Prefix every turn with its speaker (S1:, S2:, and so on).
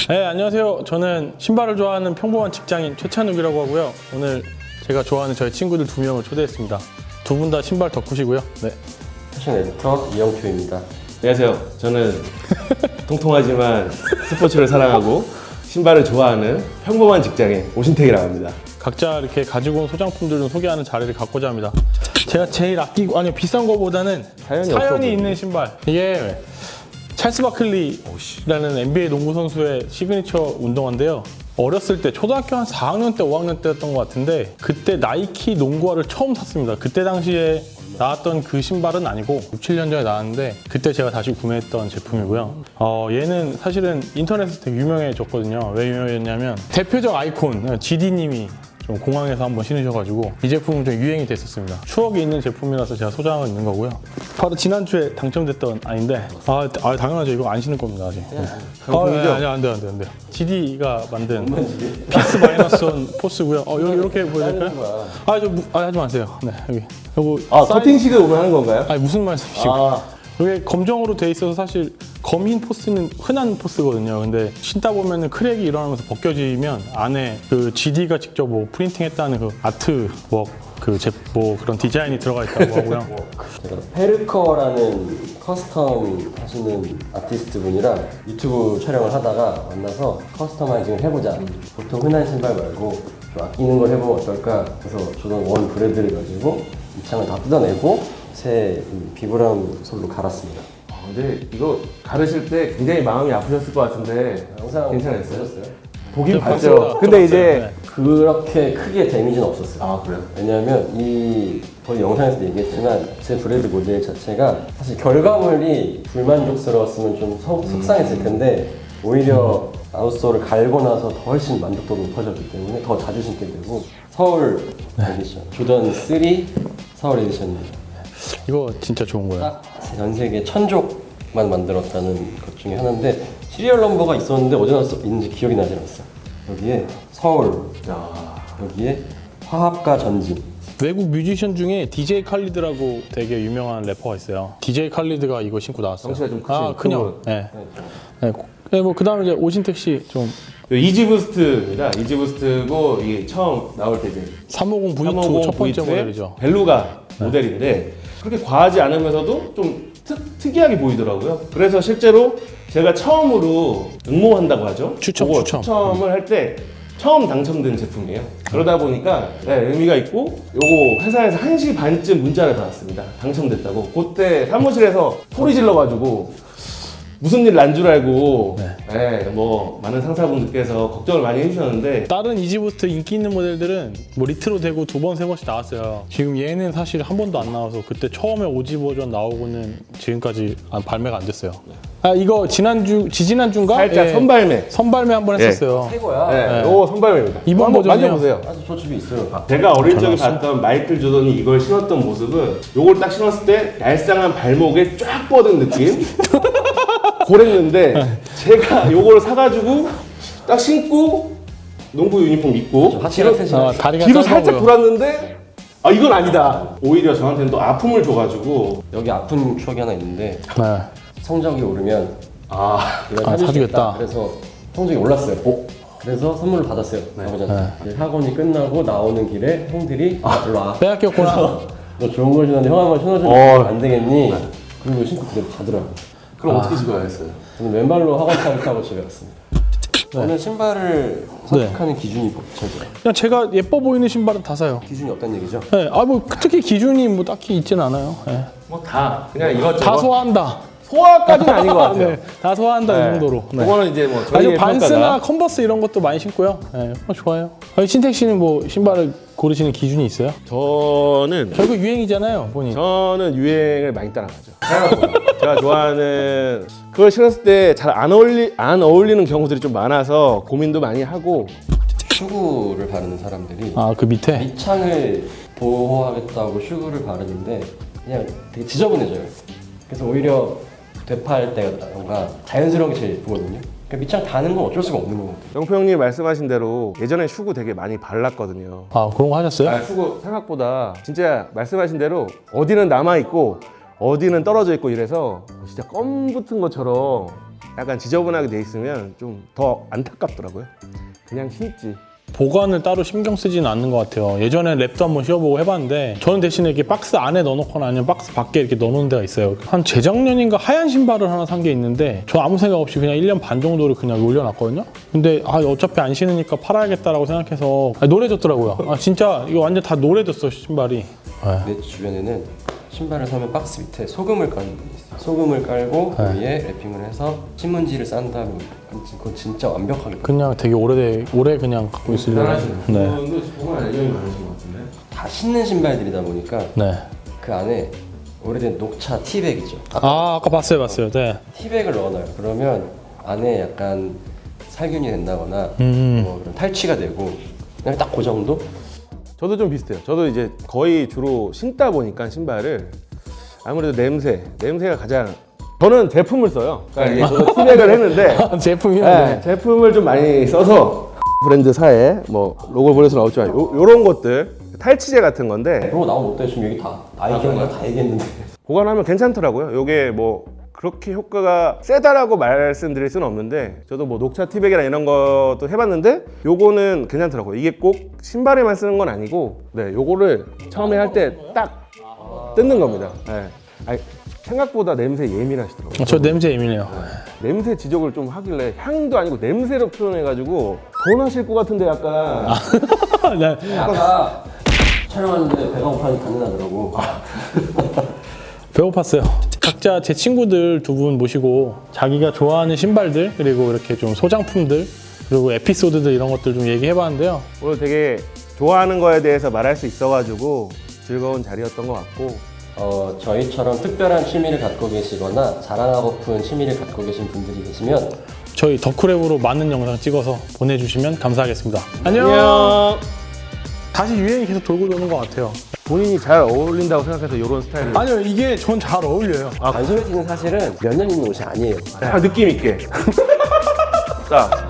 S1: 네, 안녕하세요. 저는 신발을 좋아하는 평범한 직장인 최찬욱이라고 하고요. 오늘 제가 좋아하는 저희 친구들 2명을 초대했습니다. 두 분 다 신발 덕후시고요. 네.
S2: 패션 에디터 이영표입니다.
S3: 안녕하세요. 저는 통통하지만 스포츠를 사랑하고 신발을 좋아하는 평범한 직장인 오신택이라고 합니다.
S1: 각자 이렇게 가지고 온 소장품들 좀 소개하는 자리를 갖고자 합니다. 제가 제일 아끼고, 아니요, 비싼 거보다는 사연이 있는 신발. 이게 찰스 바클리라는 NBA 농구 선수의 시그니처 운동화인데요. 어렸을 때 초등학교 한 4학년 때 5학년 때였던 것 같은데 그때 나이키 농구화를 처음 샀습니다. 그때 당시에 나왔던 그 신발은 아니고 6, 7년 전에 나왔는데 그때 제가 다시 구매했던 제품이고요. 얘는 사실은 인터넷에서 되게 유명해졌거든요. 왜 유명해졌냐면 대표적 아이콘 GD님이 좀 공항에서 한번 신으셔가지고 이 제품은 좀 유행이 됐었습니다. 추억이 있는 제품이라서 제가 소장하고 있는 거고요. 바로 지난주에 당첨됐던 아닌데 당연하죠. 이거 안 신을 겁니다 아직. 아니 안 돼요. GD가 만든 피스 마이너스 원 포스고요. 이렇게 보여드릴까요? 하지 마세요. 네, 여기. 요거
S3: 커팅식을 오면 하는 건가요?
S1: 아니 무슨 말씀이시고? 이게 검정으로 돼 있어서 사실 검인 포스는 흔한 포스거든요. 근데 신다 보면은 크랙이 일어나면서 벗겨지면 안에 그 GD가 직접 뭐 프린팅했다는 그 아트웍 그런 디자인이 들어가 있다고 하고요.
S2: 제가 페르커라는 커스텀 하시는 아티스트 분이랑 유튜브 촬영을 하다가 만나서 커스터마이징을 해보자. 보통 흔한 신발 말고 좀 아끼는 걸 해보면 어떨까. 그래서 조던 원 브레드를 가지고 입창을 다 뜯어내고 새 비브라운 솔로 갈았습니다.
S3: 근데 이거 가르실 때 굉장히 마음이 아프셨을 것 같은데
S2: 영상
S3: 괜찮았어요?
S2: 보셨어요?
S3: 보긴
S1: 봤어요.
S3: 봤죠. 근데 이제
S2: 그렇게 크게 데미지는 없었어요.
S3: 아 그래요?
S2: 왜냐하면 거의 영상에서도 얘기했지만 제 브레드 모델 자체가 사실 결과물이 불만족스러웠으면 좀 속상했을 텐데 오히려 아웃솔을 갈고 나서 더 훨씬 만족도가 높아졌기 때문에 더 자주 신게 되고 서울 에디션 조던 3 서울 에디션입니다.
S1: 이거 진짜 좋은 거예요.
S2: 딱 전 세계 1000족만 만들었다는 것 중에 하나인데 시리얼 넘버가 있었는데 어디서 있는지 기억이 나지 않았어요. 여기에 서울, 여기에 화합과 전진.
S1: 외국 뮤지션 중에 DJ 칼리드라고 되게 유명한 래퍼가 있어요. DJ 칼리드가 이거 신고 나왔어요.
S3: 덩치가 좀 크신
S1: 그냥. 네. 뭐 그다음에 이제 오신택 씨 좀
S3: 이지부스트입니다. 이지부스트고 이게 처음 나올 때 이제
S1: 350 V2 첫 번째 모델이죠.
S3: 벨루가 모델인데 그렇게 과하지 않으면서도 좀 특이하게 보이더라고요. 그래서 실제로 제가 처음으로 응모한다고 하죠. 추첨을 할 때 처음 당첨된 제품이에요. 그러다 보니까 의미가 있고 요거 회사에서 1시 반쯤 문자를 받았습니다. 당첨됐다고. 그때 사무실에서 소리 질러가지고 무슨 일 난 줄 알고 뭐 많은 상사분들께서 걱정을 많이 해주셨는데
S1: 다른 이지부스트 인기 있는 모델들은 뭐 리트로 되고 2번, 3번씩 나왔어요. 지금 얘는 사실 한 번도 안 나와서 그때 처음에 오지 버전 나오고는 지금까지 발매가 안 됐어요. 이거 지지난주인가?
S3: 살짝
S1: 선발매 한 번 했었어요.
S2: 최고야.
S3: 요거 선발매입니다.
S1: 이번 버전이요?
S3: 만져보세요.
S2: 아주 저 집에 있어요.
S3: 제가 어릴 적에 봤던 마이클 조던이 이걸 신었던 모습은 요걸 딱 신었을 때 얄쌍한 발목에 쫙 뻗은 느낌? 그랬는데 제가 요걸 사가지고 딱 신고 농구 유니폼 입고
S2: 하체가 튼실하죠.
S1: 다리가
S3: 뒤로
S1: 짧아
S3: 살짝
S1: 보여.
S3: 돌았는데 이건 아니다. 오히려 저한테는 또 아픔을 줘가지고
S2: 여기 아픈 추억이 하나 있는데
S1: 네.
S2: 성적이 오르면 이걸
S1: 사주겠다.
S2: 사주겠다. 그래서 성적이 올랐어요. 그래서 선물을 받았어요. 아버지한테. 이제 학원이 끝나고 나오는 길에 형들이 일로 와.
S1: 빼앗겼구나.
S2: 그래서 너 좋은 걸 주는데 형 한번 신어주면 안 되겠니? 그리고 신고 그대로 가더라고요.
S3: 그럼 어떻게 집어가겠어요?
S2: 저는 맨발로 학원 차를 타고 집에 갔습니다. 저는 신발을 선택하는 기준이 뭐죠?
S1: 그냥 제가 예뻐 보이는 신발은 다 사요.
S2: 기준이 없다는 얘기죠?
S1: 네. 뭐 특히 기준이 뭐 딱히 있진 않아요. 네.
S3: 뭐 다 그냥 이것저것
S1: 다 소화한다.
S3: 소화까지는 아닌 것 같아요.
S1: 네, 다 소화한다 이 정도로. 네.
S3: 그거는 이제 뭐
S1: 아니
S3: 저희의
S1: 반스나
S3: 평가가
S1: 컨버스 이런 것도 많이 신고요. 네, 좋아요. 신택 씨는 뭐 신발을 고르시는 기준이 있어요?
S3: 저는
S1: 결국 유행이잖아요, 본인.
S3: 저는 유행을 많이 따라가죠. 제가 좋아하는 그걸 신었을 때 잘 안 어울리는 경우들이 좀 많아서 고민도 많이 하고
S2: 슈구를 바르는 사람들이
S1: 그 밑에?
S2: 밑창을 보호하겠다고 슈구를 바르는데 그냥 되게 지저분해져요. 그래서 오히려 되팔 때가 자연스러운 게 제일 예쁘거든요. 그러니까 밑창 다는 건 어쩔 수가 없는 것 같아요.
S3: 영표 형님 말씀하신 대로 예전에 슈구 되게 많이 발랐거든요.
S1: 그런 거 하셨어요?
S3: 슈구 생각보다 진짜 말씀하신 대로 어디는 남아있고 어디는 떨어져 있고 이래서 진짜 껌 붙은 것처럼 약간 지저분하게 돼 있으면 좀 더 안타깝더라고요. 그냥 신지.
S1: 보관을 따로 신경 쓰지는 않는 것 같아요. 예전에 랩도 한번 씌워보고 해봤는데 저는 대신에 이렇게 박스 안에 넣어놓거나 아니면 박스 밖에 이렇게 넣어놓는 데가 있어요. 한 재작년인가 하얀 신발을 하나 산 게 있는데 저 아무 생각 없이 그냥 1년 반 정도를 그냥 올려놨거든요. 근데 어차피 안 신으니까 팔아야겠다라고 생각해서 노래졌더라고요. 진짜 이거 완전 다 노래졌어 신발이.
S2: 내 주변에는 신발을 사면 박스 밑에 소금을 까는 분이 있어요. 소금을 깔고 그 위에 랩핑을 해서 신문지를 싼 다음에 그건 진짜 완벽하게
S1: 그냥 되게 오래 그냥 갖고 있으려고. 네.
S3: 그분도 보관 애정이 많으신 것 같은데.
S2: 다 신는 신발들이다 보니까
S1: 네.
S2: 그 안에 오래된 녹차 티백이죠.
S1: 아까 봤어요. 네.
S2: 티백을 넣어놔요. 그러면 안에 약간 살균이 된다거나 뭐 그런 탈취가 되고 그냥 딱 그 정도?
S3: 저도 좀 비슷해요. 저도 이제 거의 주로 신다 보니까 신발을 아무래도 냄새가 가장. 저는 제품을 써요. 그러니까 이게 저도 티백을 했는데
S1: 제품이요?
S3: 네, 제품을 좀 많이 써서 브랜드사에 뭐 로고 보내서 나오지만 요런 것들 탈취제 같은 건데
S2: 그런 거 나오면 어때요? 지금 여기 다 얘기한 다 얘기했는데
S3: 보관하면 괜찮더라고요. 요게 뭐 그렇게 효과가 세다라고 말씀드릴 수는 없는데 저도 뭐 녹차 티백이나 이런 것도 해봤는데 요거는 괜찮더라고요. 이게 꼭 신발에만 쓰는 건 아니고 네, 요거를 처음에 할 때 딱 뜯는 겁니다. 네. 아니, 생각보다 냄새 예민하시더라고요.
S1: 저 냄새 예민해요.
S3: 냄새 지적을 좀 하길래 향도 아니고 냄새로 표현해가지고 더 나실 것 같은데 약간
S1: 네.
S2: 아까 촬영하는데 배가 고파서 단내 나더라고.
S1: 배고팠어요. 각자 제 친구들 두 분 모시고 자기가 좋아하는 신발들 그리고 이렇게 좀 소장품들 그리고 에피소드들 이런 것들 좀 얘기해봤는데요.
S3: 오늘 되게 좋아하는 거에 대해서 말할 수 있어가지고 즐거운 자리였던 것 같고
S2: 저희처럼 특별한 취미를 갖고 계시거나 자랑하고픈 취미를 갖고 계신 분들이 계시면
S1: 저희 덕후랩으로 많은 영상 찍어서 보내주시면 감사하겠습니다. 안녕.
S3: 안녕.
S1: 다시 유행이 계속 돌고 도는 것 같아요.
S3: 본인이 잘 어울린다고 생각해서 이런 스타일을
S1: 아니요, 이게 전 잘 어울려요.
S2: 반소매티는 사실은 몇 년 입는 옷이 아니에요.
S3: 느낌 있게 자